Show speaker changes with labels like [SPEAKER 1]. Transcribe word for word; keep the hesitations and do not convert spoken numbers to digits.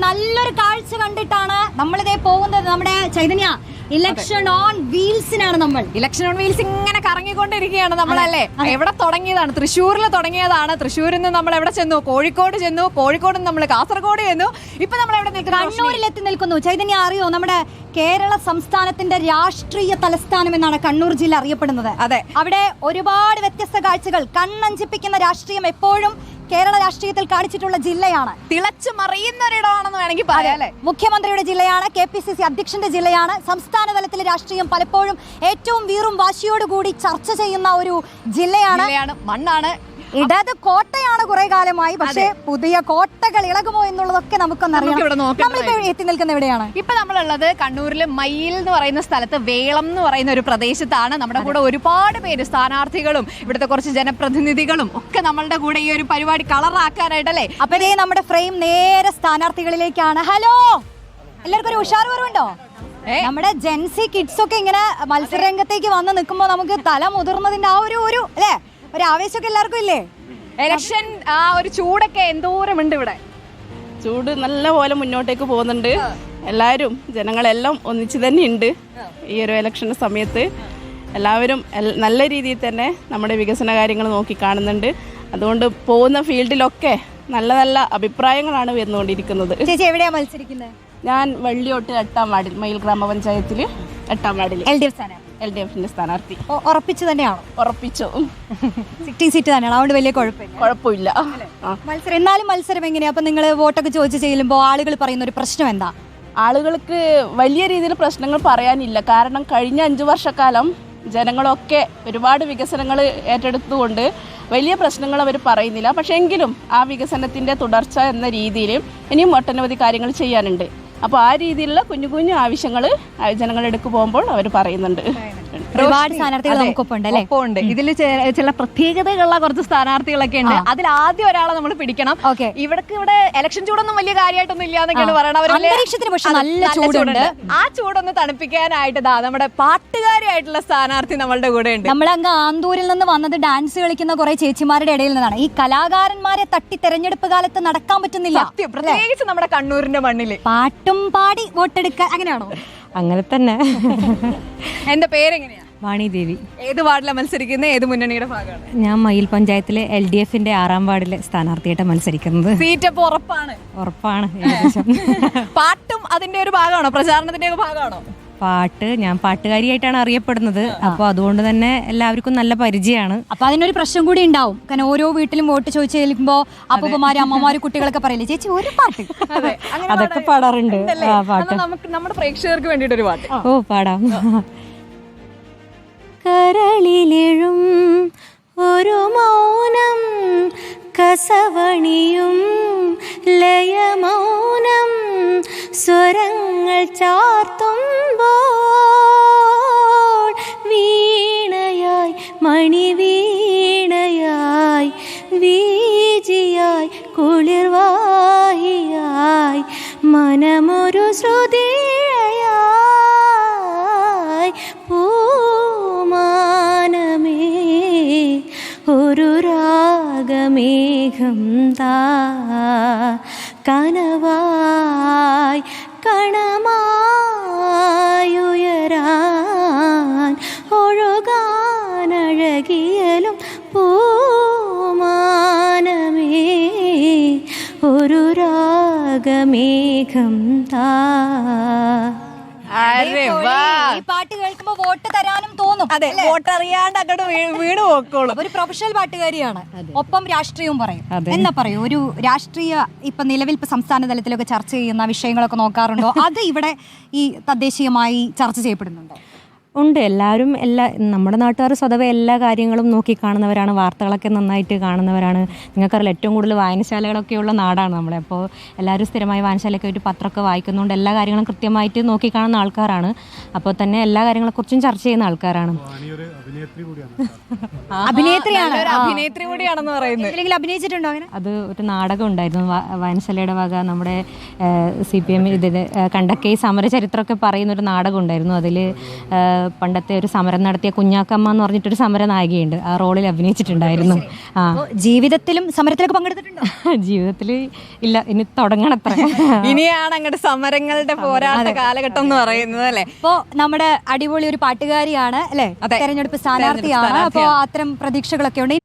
[SPEAKER 1] നല്ലൊരു കാഴ്ച കണ്ടിട്ടാണ് നമ്മളിതേ പോകുന്നത്. നമ്മുടെ ചൈതന്യ ഇലക്ഷൻ ഓൺ വീൽസിനാണ് നമ്മൾ.
[SPEAKER 2] ഇലക്ഷൻ ഓൺ വീൽസ് ഇങ്ങനെ കറങ്ങിക്കൊണ്ടിരിക്കുകയാണ് നമ്മളല്ലേ. എവിടെ തുടങ്ങിയതാണ്? തൃശ്ശൂരിൽ തുടങ്ങിയതാണ്. തൃശ്ശൂരിൽ നിന്ന് നമ്മൾ എവിടെ ചെന്നു? കോഴിക്കോട് ചെന്നു. കോഴിക്കോട് നിന്ന് നമ്മൾ കാസർഗോഡ് ചെന്നു. ഇപ്പൊ നമ്മൾ എവിടെ നിൽക്കുന്നു?
[SPEAKER 1] കണ്ണൂരിൽ എത്തി നിൽക്കുന്നു. ചൈതന്യ അറിയോ, നമ്മുടെ കേരള സംസ്ഥാനത്തിന്റെ രാഷ്ട്രീയ തലസ്ഥാനം എന്നാണ് കണ്ണൂർ ജില്ല അറിയപ്പെടുന്നത്.
[SPEAKER 2] അതെ,
[SPEAKER 1] അവിടെ ഒരുപാട് വ്യത്യസ്ത കാഴ്ചകൾ, കണ്ണഞ്ചിപ്പിക്കുന്ന രാഷ്ട്രീയം എപ്പോഴും കേരള രാഷ്ട്രീയത്തിൽ കാണിച്ചിട്ടുള്ള ജില്ലയാണ്.
[SPEAKER 2] തിളച്ചു മറിയുന്ന ഒരിടമാണെന്ന് വേണമെങ്കിൽ പറയാം.
[SPEAKER 1] മുഖ്യമന്ത്രിയുടെ ജില്ലയാണ്, കെ പി സി സി അധ്യക്ഷന്റെ ജില്ലയാണ്. സംസ്ഥാന തലത്തിലെ രാഷ്ട്രീയം പലപ്പോഴും ഏറ്റവും വീറും വാശിയോടുകൂടി ചർച്ച ചെയ്യുന്ന ഒരു ജില്ലയാണ്.
[SPEAKER 2] മണ്ണാണ്,
[SPEAKER 1] ഇടത് കോട്ടയാണ് കുറെ കാലമായി. പക്ഷേ പുതിയ കോട്ടകൾ ഇളകുമോ എന്നുള്ളതൊക്കെ നമുക്കൊന്നറിയാം. എത്തി നിൽക്കുന്ന എവിടെയാണ്?
[SPEAKER 2] ഇപ്പൊ നമ്മളുള്ളത് കണ്ണൂരിലെ മയിൽ എന്ന് പറയുന്ന സ്ഥലത്ത് വേളം എന്ന് പറയുന്ന ഒരു പ്രദേശത്താണ്. നമ്മുടെ കൂടെ ഒരുപാട് പേര്, സ്ഥാനാർത്ഥികളും ഇവിടുത്തെ കുറച്ച് ജനപ്രതിനിധികളും ഒക്കെ നമ്മളുടെ കൂടെ ഈ ഒരു പരിപാടി കളറാക്കാനായിട്ടല്ലേ.
[SPEAKER 1] അപ്പൊ ഇതേ നമ്മുടെ ഫ്രെയിം നേരെ സ്ഥാനാർത്ഥികളിലേക്കാണ്. ഹലോ, എല്ലാവർക്കും ഒരു ഉഷാർ കുറവുണ്ടോ? നമ്മുടെ ജെൻസി കിഡ്സ് ഒക്കെ ഇങ്ങനെ മത്സരരംഗത്തേക്ക് വന്ന് നിൽക്കുമ്പോൾ നമുക്ക് തല മുതിർന്നതിന്റെ ആ ഒരു ഒരു അല്ലേ ഒരു ആവേശമൊക്കെ എല്ലാവർക്കും ഇല്ലേ?
[SPEAKER 2] ഇലക്ഷൻ ആ ഒരു ചൂടൊക്കെ എന്തോരമുണ്ട് ഇവിടെ.
[SPEAKER 3] ചൂട് നല്ല പോലെ മുന്നോട്ടേക്ക് പോകുന്നുണ്ട്. എല്ലാവരും ജനങ്ങളെല്ലാം ഒന്നിച്ച് തന്നെ ഉണ്ട്. ഈ ഒരു ഇലക്ഷൻ സമയത്ത് എല്ലാവരും നല്ല രീതിയിൽ തന്നെ നമ്മുടെ വികസന കാര്യങ്ങൾ നോക്കി കാണുന്നുണ്ട്. അതുകൊണ്ട് പോകുന്ന ഫീൽഡിലൊക്കെ നല്ല നല്ല അഭിപ്രായങ്ങളാണ് വരുന്നുകൊണ്ടിരിക്കുന്നത്.
[SPEAKER 1] ചേച്ചി എവിടെയാ മത്സരിക്കുന്നത്?
[SPEAKER 3] ഞാൻ വള്ളിയോട്ട് എട്ടാം വാർഡിൽ, മയിൽ ഗ്രാമപഞ്ചായത്തിൽ എട്ടാം വാർഡിൽ
[SPEAKER 1] എൽ ഡി എഫ് സ്ഥാനാർത്ഥി.
[SPEAKER 3] എൽ ഡി എഫിന്റെ സ്ഥാനാർത്ഥി.
[SPEAKER 1] ഉറപ്പിച്ചു തന്നെയാണോ?
[SPEAKER 3] ഉറപ്പിച്ചു.
[SPEAKER 1] സിറ്റിംഗ് സീറ്റ് തന്നെയാണ്, അതുകൊണ്ട് വലിയ കുഴപ്പമില്ല.
[SPEAKER 3] കുഴപ്പമില്ല
[SPEAKER 1] മത്സരം. എന്നാലും മത്സരം എങ്ങനെയാ? അപ്പൊ നിങ്ങൾ വോട്ടൊക്കെ ചോദിച്ചു ചെല്ലുമ്പോൾ ആളുകൾ പറയുന്ന ഒരു പ്രശ്നം എന്താ?
[SPEAKER 3] ആളുകൾക്ക് വലിയ രീതിയിൽ പ്രശ്നങ്ങൾ പറയാനില്ല. കാരണം കഴിഞ്ഞ അഞ്ചു വർഷക്കാലം ജനങ്ങളൊക്കെ ഒരുപാട് വികസനങ്ങൾ ഏറ്റെടുത്തുകൊണ്ട് വലിയ പ്രശ്നങ്ങൾ അവർ പറയുന്നില്ല. പക്ഷേ എങ്കിലും ആ വികസനത്തിൻ്റെ തുടർച്ച എന്ന രീതിയിൽ ഇനിയും ഒട്ടനവധി കാര്യങ്ങൾ ചെയ്യാനുണ്ട്. അപ്പോൾ ആ രീതിയിലുള്ള കുഞ്ഞു കുഞ്ഞു ആവശ്യങ്ങൾ ജനങ്ങളെടുക്ക് പോകുമ്പോൾ അവർ പറയുന്നുണ്ട്.
[SPEAKER 1] ഒരുപാട് സ്ഥാനാർത്ഥികൾ നമുക്കൊപ്പം ഉണ്ട് അല്ലേ?
[SPEAKER 2] ഉണ്ട്. ഇതിൽ ചില പ്രത്യേകതകളുള്ള കുറച്ച് സ്ഥാനാർത്ഥികളൊക്കെ ഉണ്ട്. അതിൽ ആദ്യം ഒരാളെ നമ്മൾ പിടിക്കണം. ഇവിടേക്ക് ഇവിടെ ഇലക്ഷൻ ചൂടൊന്നും വലിയ കാര്യമായിട്ടൊന്നും ഇല്ലാന്നൊക്കെയാണ് പറയണത്.
[SPEAKER 1] അന്തരീക്ഷത്തിന് പക്ഷെ നല്ല ചൂടുണ്ട്.
[SPEAKER 2] ആ ചൂടൊന്ന് തണുപ്പിക്കാനായിട്ട് ദാ നമ്മുടെ പാട്ടുകാരിയായിട്ടുള്ള സ്ഥാനാർത്ഥി നമ്മളുടെ കൂടെ ഉണ്ട്.
[SPEAKER 1] നമ്മളങ്ങ് ആന്തൂരിൽ നിന്ന് വന്നത് ഡാൻസ് കളിക്കുന്ന കുറെ ചേച്ചിമാരുടെ ഇടയിൽ നിന്നാണ്. ഈ കലാകാരന്മാരെ തട്ടി തെരഞ്ഞെടുപ്പ് കാലത്ത് നടക്കാൻ പറ്റുന്നില്ല,
[SPEAKER 2] പ്രത്യേകിച്ച് നമ്മുടെ കണ്ണൂരിന്റെ മണ്ണില്.
[SPEAKER 1] പാട്ടും പാടി വോട്ടെടുക്കാൻ അങ്ങനെയാണോ?
[SPEAKER 4] അങ്ങനെ തന്നെ.
[SPEAKER 2] എന്റെ പേരെങ്ങനെയാ?
[SPEAKER 4] വാണി ദേവി.
[SPEAKER 2] ഏത് വാർഡിലാണ് മത്സരിക്കുന്നത്? ഏത് മുന്നണിയുടെ ഭാഗമാണ്?
[SPEAKER 4] ഞാൻ മയിൽ പഞ്ചായത്തിലെ എൽ ഡി എഫിന്റെ ആറാം വാർഡിലെ സ്ഥാനാർത്ഥിയായിട്ട് മത്സരിക്കുന്നത്.
[SPEAKER 2] സീറ്റ് അപ്പോൾ ഉറപ്പാണ്?
[SPEAKER 4] ഉറപ്പാണ്. ഏകദേശം.
[SPEAKER 2] പാട്ടും അതിന്റെ ഒരു ഭാഗമാണോ? പ്രചാരണത്തിന്റെ ഒരു ഭാഗമാണോ?
[SPEAKER 4] പാട്ട്, ഞാൻ പാട്ടുകാരിയായിട്ടാണ് അറിയപ്പെടുന്നത്. അപ്പോൾ അതുകൊണ്ട് തന്നെ എല്ലാവർക്കും നല്ല പരിചയമാണ്.
[SPEAKER 1] അപ്പൊ അതിനൊരു പ്രശ്നം കൂടി ഉണ്ടാവും. കാരണം ഓരോ വീട്ടിലും വോട്ട് ചോദിച്ചു ചെല്ലുമ്പോ അപ്പൂപ്പന്മാര് അമ്മമാര് കുട്ടികളൊക്കെ പറയില്ലേ, ചേച്ചി ഒരു പാട്ട്?
[SPEAKER 4] അതൊക്കെ പാടാറുണ്ട്. ആ പാട്ട്
[SPEAKER 2] നമുക്ക് നമ്മുടെ പ്രേക്ഷകർക്ക് വേണ്ടിയിട്ട് ഒരു പാട്ട്.
[SPEAKER 4] ഓ പാടാം. കരളിലെഴും ഒരു മൗനം, കസവണിയും ലയമൗനം, സ്വരങ്ങൾ ചാർത്തുമ്പോൾ വീണയായി മണിവീണയായി വീജിയായി കുളിർവാഹിയായി മനമൊരു ശ്രുതിയായി പൂമാനമേ ഒരു രാഗമേഘം താ കനവായി കണമായുയരാൻ ഒഴുകാനഴകിയലും പൂമാനമേ ഒരു രാഗമേഘം താ.
[SPEAKER 1] ഈ പാട്ട് കേൾക്കുമ്പോ വോട്ട് തരാനും തോന്നും.
[SPEAKER 2] അതെ, വോട്ട് അറിയാണ്ട് അങ്ങോട്ട് വീട് പോക്കോളും.
[SPEAKER 1] ഒരു പ്രൊഫഷണൽ പാട്ടുകാരിയാണ്, ഒപ്പം രാഷ്ട്രീയവും പറയും. എന്നാ പറയൂ, ഒരു രാഷ്ട്രീയ ഇപ്പൊ നിലവിൽ ഇപ്പൊ സംസ്ഥാന തലത്തിലൊക്കെ ചർച്ച ചെയ്യുന്ന വിഷയങ്ങളൊക്കെ നോക്കാറുണ്ടോ? അത് ഇവിടെ ഈ തദ്ദേശീയമായി ചർച്ച ചെയ്യപ്പെടുന്നുണ്ടോ?
[SPEAKER 4] ഉണ്ട്. എല്ലാവരും എല്ലാ നമ്മുടെ നാട്ടുകാർ സ്വതവേ എല്ലാ കാര്യങ്ങളും നോക്കി കാണുന്നവരാണ്, വാർത്തകളൊക്കെ നന്നായിട്ട് കാണുന്നവരാണ്. നിങ്ങൾക്കറിയില്ല, ഏറ്റവും കൂടുതൽ വായനശാലകളൊക്കെയുള്ള നാടാണ് നമ്മളെ. അപ്പോൾ എല്ലാവരും സ്ഥിരമായി വായനശാലയൊക്കെ ആയിട്ട് പത്രമൊക്കെ വായിക്കുന്നതുകൊണ്ട് എല്ലാ കാര്യങ്ങളും കൃത്യമായിട്ട് നോക്കി കാണുന്ന ആൾക്കാരാണ്. അപ്പോൾ തന്നെ എല്ലാ കാര്യങ്ങളെക്കുറിച്ചും ചർച്ച ചെയ്യുന്ന ആൾക്കാരാണ്.
[SPEAKER 1] അഭിനേത്രിയാണ്,
[SPEAKER 2] അഭിനേത്രി കൂടിയാണെന്ന് പറയുന്നത്.
[SPEAKER 1] അല്ലെങ്കിൽ അഭിനയിച്ചിട്ടുണ്ടോ അങ്ങനെ?
[SPEAKER 4] അത് ഒരു നാടകം ഉണ്ടായിരുന്നു വായനശാലയുടെ വക. നമ്മുടെ സി പി എം ഇതിൽ കണ്ടക്കെ സമരചരിത്രമൊക്കെ പറയുന്ന ഒരു നാടകം ഉണ്ടായിരുന്നു. അതിൽ പണ്ടത്തെ ഒരു സമരം നടത്തിയ കുഞ്ഞാക്കമ്മ എന്ന് പറഞ്ഞിട്ടൊരു സമര നായികയുണ്ട്, ആ റോളിൽ അഭിനയിച്ചിട്ടുണ്ടായിരുന്നു. ആ
[SPEAKER 1] അപ്പോ ജീവിതത്തിലും സമരത്തിലൊക്കെ പങ്കെടുത്തിട്ടുണ്ടോ?
[SPEAKER 4] ജീവിതത്തിൽ ഇല്ല, ഇനി തുടങ്ങണത്ര.
[SPEAKER 2] ഇനിയാണ് അങ്ങോട്ട് സമരങ്ങളുടെ പോരാട്ട കാലഘട്ടം എന്ന് പറയുന്നത് അല്ലേ?
[SPEAKER 1] അപ്പോ നമ്മുടെ അടിപൊളി ഒരു പാട്ടുകാരിയാണ് അല്ലെ, തെരഞ്ഞെടുപ്പ് സ്ഥാനാർത്ഥിയാണ്. അപ്പോ അത്തരം പ്രതീക്ഷകളൊക്കെ ഉണ്ട്.